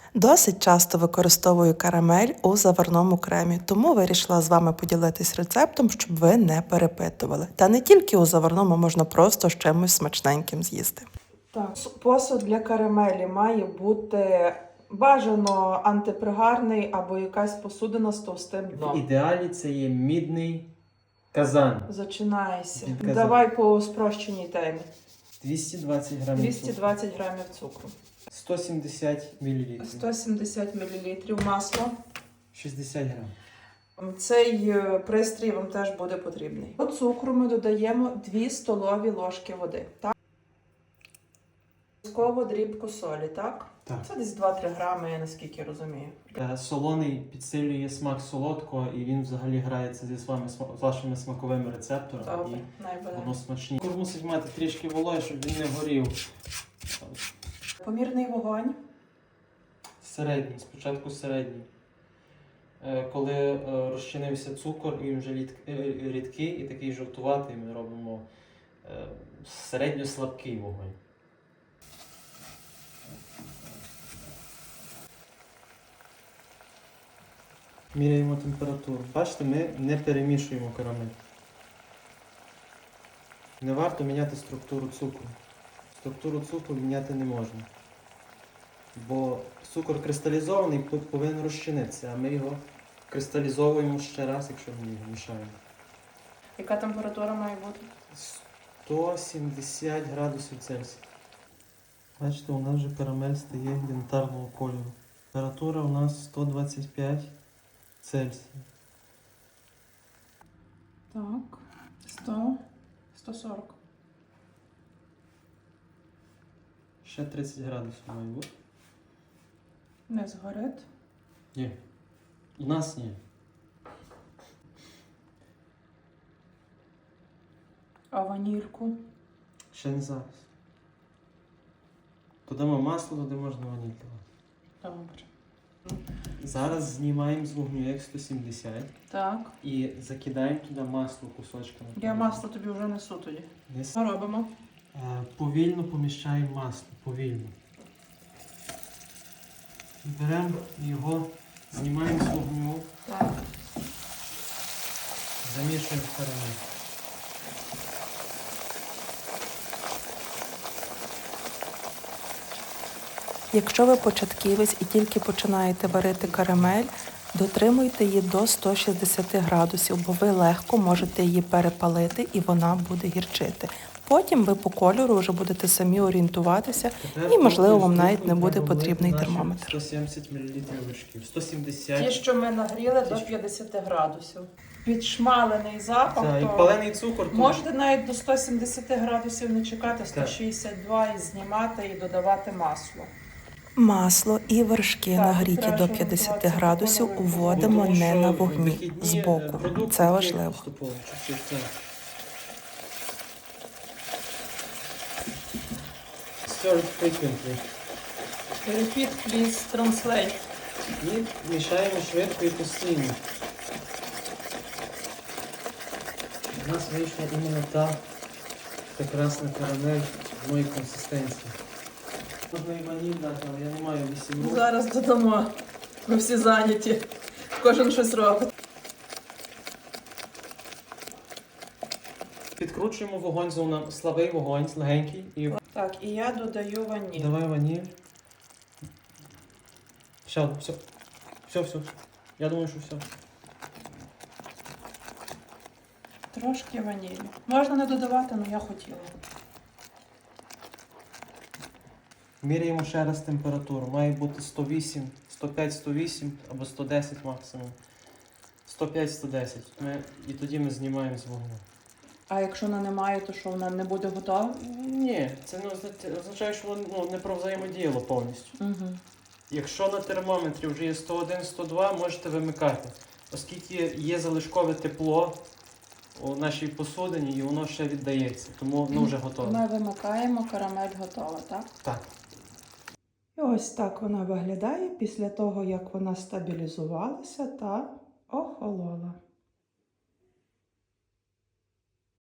Досить часто використовую карамель у заварному кремі, тому вирішила з вами поділитись рецептом, щоб ви не перепитували. Та не тільки у заварному, можна просто з чимось смачненьким з'їсти. Так, посуд для карамелі має бути бажано антипригарний або якась посудина з товстим дном. В ідеалі це є мідний казан. Зачинайся. Казан. Давай по спрощеній темі. 220 грамів 220 грамів цукру. 170 мл. 170 мл масло. 60 грам. Цей пристрій вам теж буде потрібний. До цукру ми додаємо 2 столові ложки води. Так? Обов'язково дрібку солі, так? Так. Це десь 2-3 грами, я наскільки розумію. Солоний підсилює смак солодкого і він взагалі грається з вашими смаковими рецепторами. Добре, І найбере. воно смачніше. Цукор мусить мати трішки вологи, щоб він не горів. Помірний вогонь. Середній, спочатку середній. Коли розчинився цукор, він вже рідкий і такий жовтуватий, ми робимо середньо-слабкий вогонь. Міряємо температуру. Бачите, ми не перемішуємо карамель. Не варто міняти структуру цукру. Структуру цукру міняти не можна. Бо цукор кристалізований повинен розчинитися, а ми його кристалізовуємо ще раз, якщо ми його мішаємо. Яка температура має бути? 170 градусів Цельсія. Бачите, у нас вже карамель стає янтарного кольору. Температура у нас 125 Цельсія. Так, 100, 140. Ще 30 градусів має бути. Не згорить. Ні. У нас ні. А ванільку? Ще не зараз. Додамо масло, туди можна ваніль давати. Добре. Зараз знімаємо з вогню як 170 Так. і закидаємо туди масло кусочками. Я масло тобі вже несу тоді. Що робимо? Повільно поміщаємо масло, повільно. Беремо його, знімаємо з вогню, Так. замішуємо в карамель. Якщо ви початківець і тільки починаєте варити карамель, дотримуйте її до 160 градусів, бо ви легко можете її перепалити і вона буде гірчити. Потім ви по кольору вже будете самі орієнтуватися і, можливо, вам навіть не буде потрібний термометр. 170 мл вершків. 170. Ті, що ми нагріли до 50 градусів. Підшмалений запах, Так, і то палений цукор. можете навіть до 170 градусів не чекати, 162 і знімати і додавати масло. Масло і вершки нагріті до 50 градусів уводимо не на вогні, збоку. Це важливо. Stir frequently. Repeat, please, translate. І мішаємо швидко і постійно. У нас вийшла іменно та прекрасна карамель одної консистенції. Можна і ваніль дати, але я не маю 8 рук. Зараз додамо. Ми всі зайняті. Кожен щось робить. Підкручуємо вогонь, слабий вогонь, легенький. І... Так, і я додаю ваніль. Давай ваніль. Все, все. Все. Я думаю, що все. Трошки ванілі. Можна не додавати, але я хотіла. Міряємо ще раз температуру. Має бути 108, 105-108 або 110 максимум. 105-110. І тоді ми знімаємо з вогню. А якщо вона не має, то що вона не буде готова? Ні, це не означає, що воно не провзаємодіяло повністю. Угу. Якщо на термометрі вже є 101-102, можете вимикати. Оскільки є залишкове тепло у нашій посудині і воно ще віддається, тому воно вже готове. Ми вимикаємо, карамель готова, так? Так. І ось так вона виглядає після того, як вона стабілізувалася та охолола.